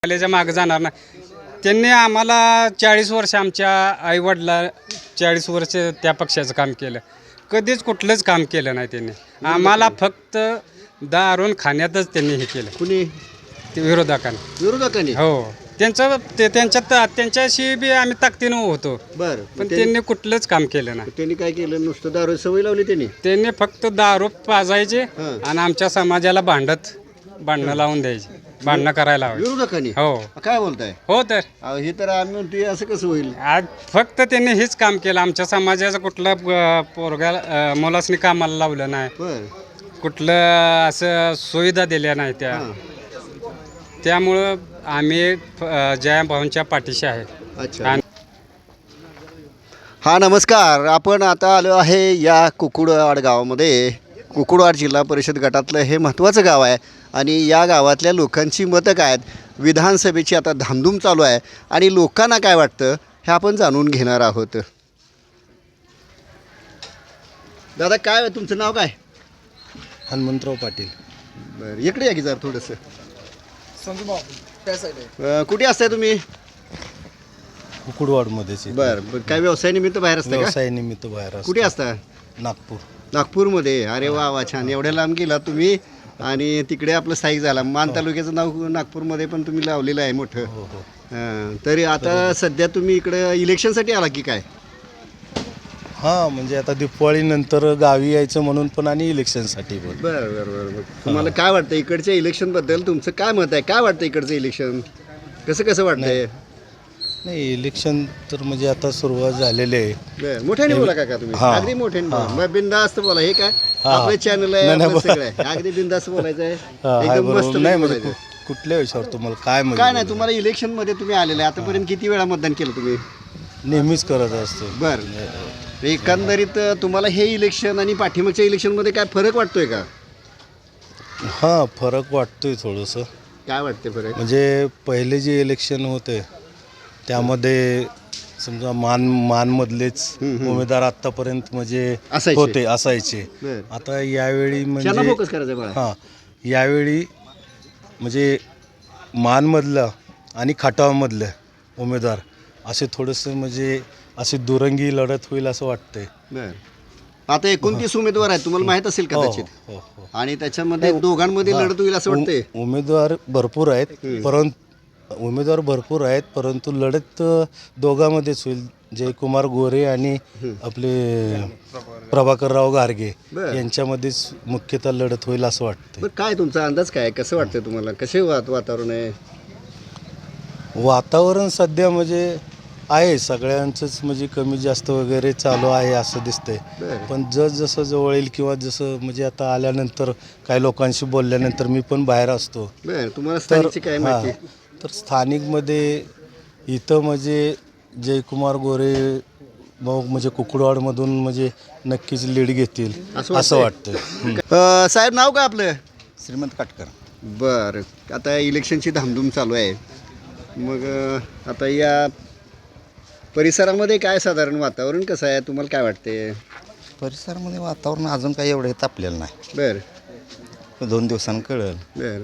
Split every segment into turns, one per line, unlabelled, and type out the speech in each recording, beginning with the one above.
आल्याच्या मागं जाणार नाही. त्यांनी आम्हाला 40 वर्ष आमच्या आईवडिला 40 वर्ष त्या पक्षाचं काम केलं. कधीच कुठलंच काम केलं नाही त्यांनी. आम्हाला फक्त दारून खाण्यातच त्यांनी हे केलं.
कुणी
ते विरोधकांनी हो त्यांच्याशी बी आम्ही ताकदीनं होतो.
बरं
पण त्यांनी कुठलंच काम केलं नाही.
त्यांनी काय केलं? नुसतं दारू सवय लावली
त्यांनी फक्त दारू पाजायचे
हां.
आणि आमच्या समाजाला भांडणं लावून द्यायचे, भांडणं करायला हवे.
विरोधकांनी.
हो
काय बोलताय?
हो तर
हे तर आम्ही म्हणतोय असं कसं होईल?
आज फक्त त्यांनी हेच काम केलं. आमच्या समाजाचं कुठलं पोरगा मुलासनी कामाला लावलं नाही,
बर
कुठलं असं सुविधा दिल्या नाही त्या. त्यामुळं आम्ही जयाभाऊंच्या पाठीशी आहे.
अच्छा. हा नमस्कार. आपण आता आलो आहे या कुकुडवाड गावामध्ये. कुकुडवाड जिल्हा परिषद गटातलं हे महत्त्वाचं गाव आहे आणि या गावातल्या लोकांची मतं काय आहेत, विधानसभेची आता धामधूम चालू आहे आणि लोकांना काय वाटतं हे आपण जाणून घेणार आहोत. दादा काय तुमचं नाव काय?
हनुमंतराव पाटील.
बरं इकडे या की जरा थोडंसं. कुठे असताय तुम्ही?
कुकुडवाडमध्येच.
बरं काय व्यवसायानिमित्त बाहेर असता का?
व्यवसायानिमित्त बाहेर असतो.
कुठे असता?
नागपूर.
नागपूरमध्ये. अरे वा वा छान. एवढ्या लांब गेला तुम्ही आणि तिकडे आपलं स्थायिक झाला. मान तालुक्याचं नाव नागपूरमध्ये पण तुम्ही लावलेलं आहे मोठं.
हो हो.
तरी आता सध्या तुम्ही इकडं इलेक्शनसाठी आला की काय?
हां म्हणजे आता दिवाळीनंतर गावी यायचं म्हणून पण आणि इलेक्शनसाठी पण.
बरं बरं बरं बरं. तुम्हाला काय वाटतं इकडच्या इलेक्शनबद्दल? तुमचं काय मत आहे? काय वाटतं इकडचं इलेक्शन कसं वाटतंय?
नाही इलेक्शन तर म्हणजे आता सुरुवात झालेली आहे.
बरं मोठ्याने बोला का तुम्ही?
हां.
अगदी मोठ्याने बोला. बिंदास्त बोला. हे काय आपलं चॅनल आहे, आपलं सगळं आहे. अगदी बिंदास्त बोलायचं आहे. एकदम मस्त
नाही म्हणजे
बोलायचं.
कुठल्या विषयावर तुम्हाला काय म्हणजे
काय नाही तुम्हाला इलेक्शनमध्ये तुम्ही आलेले आहे. आतापर्यंत किती वेळा मतदान केलं तुम्ही?
नेहमीच करत असतो.
बरं एकंदरीत तुम्हाला हे इलेक्शन आणि पाठीमागच्या इलेक्शनमध्ये काय फरक वाटतोय का?
हां फरक वाटतोय थोडंसं.
काय वाटते फरक?
म्हणजे पहिले जे इलेक्शन होते त्यामध्ये समजा मानमधलेच उमेदवार आतापर्यंत म्हणजे असायचे.
बरं.
आता यावेळी
त्यांना
म्हणजे
फोकस करायचं बघा.
हां यावेळी म्हणजे मानमधलं आणि खटावमधलं उमेदवार असे थोडंसं म्हणजे अशी दुरंगी लढत होईल असं वाटतंय.
बरं आता 29 उमेदवार आहेत तुम्हाला माहित असेल कदाचित.
हो हो.
आणि त्याच्यामध्ये दोघांमध्ये लढत होईल असं वाटतंय.
उमेदवार भरपूर आहेत परंतु लढत दोघांमध्येच होईल. जयकुमार गोरे आणि आपले प्रभाकरराव घारगे यांच्यामध्येच मुख्यतः लढत होईल असं वाटतं.
बरं काय तुमचा अंदाज काय? कसं वाटतंय तुम्हाला? कसे वातावरण आहे?
वातावरण सध्या म्हणजे आहे सगळ्यांचंच म्हणजे कमी जास्त वगैरे चालू आहे असं दिसतंय. पण जसं जवळ येईल किंवा जसं म्हणजे आता आल्यानंतर काही लोकांशी बोलल्यानंतर मी पण बाहेर असतो.
बरं तुम्हाला स्थानिकची काय माहिती?
तर स्थानिकमध्ये इथं म्हणजे जयकुमार गोरे भाऊ म्हणजे कुकुडवाडमधून म्हणजे नक्कीच लीड घेतील असं वाटतं.
साहेब नाव काय आपलं?
श्रीमंत काटकर.
बरं आता इलेक्शनची धामधूम चालू आहे. मग आता या परिसरामध्ये काय साधारण वातावरण कसं आहे तुम्हाला काय वाटते?
परिसरामध्ये वातावरण अजून काही एवढं तापलेलं नाही.
बरं
2 दिवसांनी कळेल.
बरं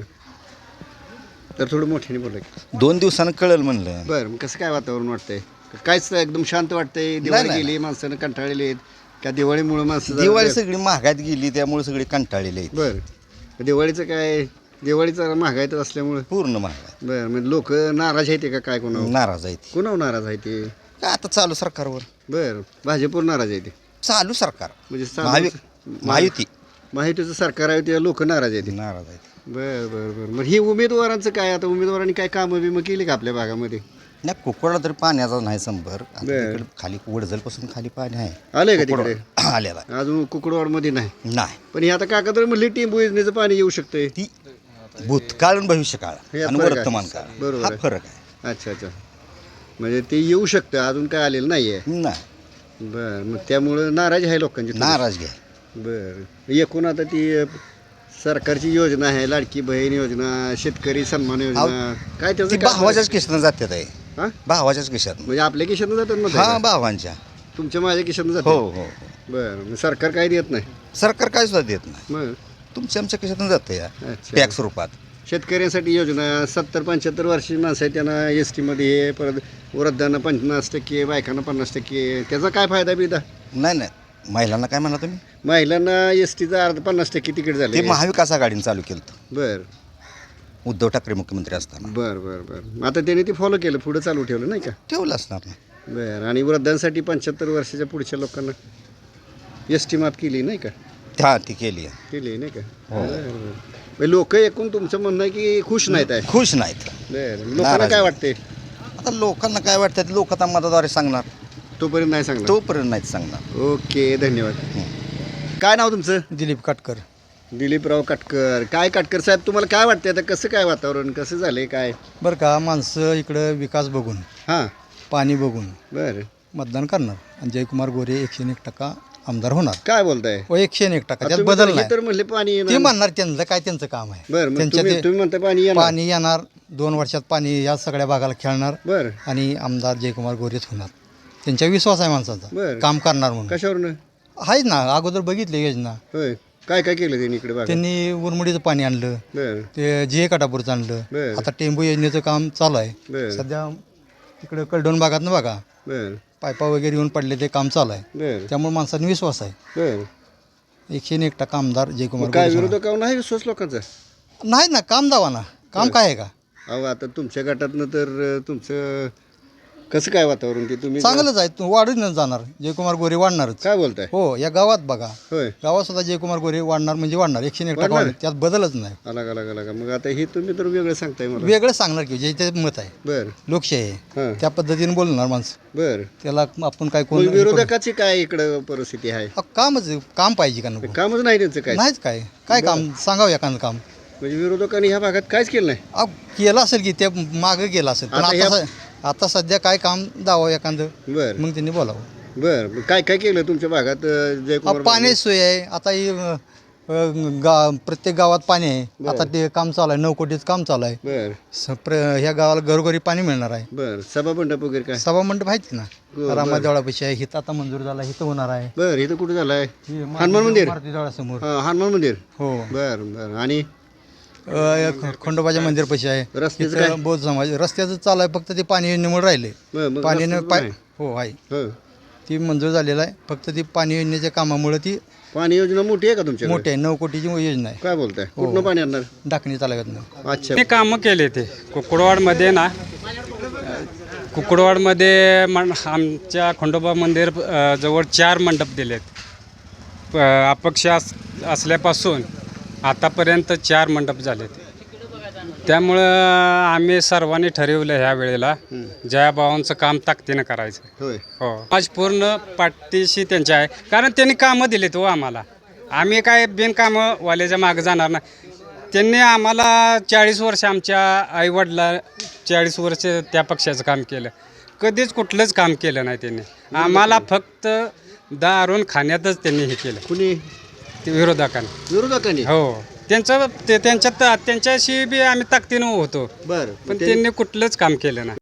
तर थोडं मोठ्याने बोला की.
2 दिवसांनी कळेल म्हणलं.
बरं मग कसं काय वातावरण वाटतंय? कायच एकदम शांत वाटतंय? दिवाळी गेली माणसानं कंटाळलेली आहेत का? दिवाळीमुळे माणसं
दिवाळी सगळी महागात गेली त्यामुळे सगळी कंटाळलेली आहेत.
बरं दिवाळीचं काय? दिवाळीचा महागाईत असल्यामुळे
पूर्ण महागात.
बरं म्हणजे लोक नाराज आहेत का काय? कोणावर
नाराज आहेत.
कोणावर नाराज आहे ते?
काय आता चालू सरकारवर.
बरं भाजपवर नाराज आहे ते?
चालू सरकार
म्हणजे महायुतीचं सरकार आहे ते लोक नाराज आहेत.
नाराज आहेत.
बरं बरं बरं मग ही उमेदवारांचं काय? आता उमेदवारांनी काय कामं बिमं केली का आपल्या भागामध्ये?
नाही कुकुडला तरी पाण्याचा नाही संपर्क. तिकडे खाली वडजलपासून खाली पाणी आहे.
आलंय का तिकडे?
आलेला
अजून कुकुडवाडमध्ये नाही.
नाही.
पण हे आता काका तर म्हणले टिंबू योजनेचं पाणी येऊ शकतंय.
ती भूतकाळ आणि भविष्यकाळ आणि वर्तमान काळ
बरोबर
हा
आहे.
फरक आहे.
अच्छा अच्छा म्हणजे ते येऊ शकतं अजून काय आलेलं नाही आहे.
नाही
बरं मग त्यामुळं नाराज आहे लोकांची थोडी.
नाराज घ्या.
बरं एकूण आता ती सरकारची योजना आहे लाडकी बहीण योजना, शेतकरी सन्मान योजना काय
ती
त्याचं काय?
भावाच्याच किशानं जातात आहे.
हां
भावाच्याच किशानं.
म्हणजे आपल्या खिशातनं जातात मग?
हा भावांच्या.
तुमच्या माझ्या खिशातनं
हो
जातात?
हो हो.
बरं मग सरकार काय देत नाही?
सरकार काय सुद्धा देत नाही.
मग
तुमच्या आमच्या खिशातून जातं या
अच्छा
टॅक्स रूपात.
शेतकऱ्यांसाठी योजना 70-75 वर्षाची माणसं आहेत त्यांना एस टीमध्ये परत वृद्धांना 50%, बायकांना 50%. त्याचा काय फायदा बिदा?
नाही नाही महिलांना काय म्हणा तुम्ही
महिलांना एस टीचा 50% तिकीट
ते
झाले.
महाविकास आघाडीने चालू केलं होतं.
बर
उद्धव ठाकरे मुख्यमंत्री असताना
बर बर बर आता त्याने ते फॉलो केलं, पुढं चालू ठेवलं नाही का?
ठेवलं असणार ना.
बर आणि वृद्धांसाठी 75 वर्षाच्या पुढच्या लोकांना एस टी माफ केली नाही का?
हा ती केली आहे.
केली नाही का? लोक एकूण तुमचं म्हणणं आहे की खुश नाहीत आहे.
खुश नाहीत.
बर लोकांना काय वाटते?
आता लोकांना काय वाटतं लोक आता मताद्वारे सांगणार,
तोपर्यंत नाही सांगणार.
तोपर्यंत नाहीच सांगणार.
ओके धन्यवाद. काय नाव तुमचं?
दिलीप काटकर.
दिलीपराव काटकर. काय काटकर साहेब तुम्हाला काय वाटतं आता कसं काय वातावरण कसं झालंय काय?
बरं का, माणसं इकडं विकास बघून,
हां
पाणी बघून
बरं
मतदान करणार आणि जयकुमार गोरे 101% आमदार होणार.
काय बोलताय?
व 101% त्यात
तुम्ही
बदल
तर- हे
नाही.
तर म्हणले पाणी
ते
येणार.
म्हणणार त्यांचं काय, त्यांचं काम आहे.
बरं मग
त्यांच्या
तुम्ही
ते
तुम्ही म्हणता पाणी येणार.
पाणी येणार 2 वर्षात, पाणी या सगळ्या भागाला खेळणार
बरं
आणि आमदार जयकुमार गोरेच होणार. त्यांच्या विश्वास आहे माणसाचा,
बरं.
काम करणार म्हणून.
कशावरनं?
आहे ना, अगोदर बघितली योजना.
होय काय काय केलं त्यांनी इकडे बघा?
त्यांनी उरमुडीचं पाणी आणलं,
बरं
ते जे काटापूरचं आणलं.
बरं.
आता टेंबू योजनेचं काम चालू आहे.
बरं
सध्या इकडं कलडोन भागातनं बघा,
बरं
पायपा वगैरे येऊन पडले, ते काम चालू आहे.
बरं
त्यामुळे माणसाने विश्वास आहे.
बरं
101% आमदार जयकुमार
काय
गोरे होणार.
विरोधकावर नाही विश्वास लोकांचा?
नाही ना, काम दावा ना, काम काय आहे का?
अहो आता तुमच्या गटातनं तर तुमचं कसं काय वातावरण ते तुम्ही
चांगलंच आहे, वाढून जाणार. जयकुमार गोरे वाढणारच.
काय बोलताय?
हो, या गावात बघा,
होय
गावात सुद्धा जयकुमार गोरे वाढणार म्हणजे वाढणार. 101%
वाढणार?
वाढणार, त्यात बदलच नाही.
अलग अलग अलग मग आता हे तुम्ही तर वेगळं सांगताय मला.
वेगळं सांगणार की जे ते मत आहे,
बरं
लोकशाही आहे,
हां
त्या पद्धतीने बोलणार माणसं.
बरं
त्याला आपण काय
मग
कोण
विरोधकाची काय इकडं परिस्थिती आहे?
कामच, काम पाहिजे का नको?
कामच नाही त्यांचं काय?
नाहीच काय, काय काम सांगावं एखादं काम.
म्हणजे विरोधकांनी ह्या भागात काहीच केलं नाही.
केलं असेल की ते मागं गेलं असेल, पण
आता
आता सध्या काय काम दावा एखादं,
बरं
मग त्यांनी बोलावं.
बरं मग काय काय केलं तुमच्या भागात जयकुमार?
पाण्याची सोय आहे आता ही, प्रत्येक गावात पाणी आहे. आता ते काम चालू आहे, 9 कोटीचं काम चालू आहे.
बरं
ह्या गावाला घरोघरी पाणी मिळणार आहे.
बरं सभा मंडप वगैरे काय?
सभा मंडप आहेत ना,
बरं.
रामादेवळापाशी आहे, हिथं आता मंजूर झाला, हिथं होणार आहे.
बरं इथं कुठं झालं आहे? हनुमान मंदिर?
मारुती देवळासमोर.
हां हनुमान मंदिर.
हो,
बरं बरं आणि
खंडोबाच्या मंदिरपाशी आहे.
रस्त्याचं
इथं
काय?
बौद्ध समाज रस्त्याचं चालू आहे, फक्त ते पाणी योजनेमुळे राहिले.
मग
पाणीनं
रस्त्याचं
पाय
नाही?
हो आहे,
हो
ती मंजूर झालेलं आहे. फक्त ती पाणी योजनेच्या कामामुळे ती
पाणी योजना मोठी आहे का तुमच्या?
मोठी आहे, 9 कोटीची योजना आहे.
काय बोलताय? कुठनं पाणी आणणार?
डाकणी तालुक्यातनं.
अच्छा
ते कामं केले ते कुकडवाडमध्ये ना, कुकडवाडमध्ये आमच्या खंडोबा मंदिर जवळ 4 मंडप दिलेत. अपक्ष असल्यापासून आतापर्यंत 4 मंडप झालेत. त्यामुळं आम्ही सर्वांनी ठरवलं ह्या वेळेला जयाभावांचं काम ताकदीनं करायचं.
होय
हो, आज पूर्ण पाठीशी त्यांच्या आहे, कारण त्यांनी कामं दिलीत हो आम्हाला. आम्ही काय बिनकामं वाल्याच्या मागं जाणार ना. त्यांनी आम्हाला 40 वर्ष, आमच्या आईवडला 40 वर्ष त्या पक्षाचं काम केलं. कधीच कुठलंच काम केलं नाही त्यांनी. आम्हाला फक्त दारून खाण्यातच त्यांनी हे केलं,
कुणी?
ते विरोधकांनी.
विरोधकांनी?
हो, त्यांच्याशी बी आम्ही ताकदीनं होतो,
बरं
पण त्यांनी कुठलंच काम केलं नाही.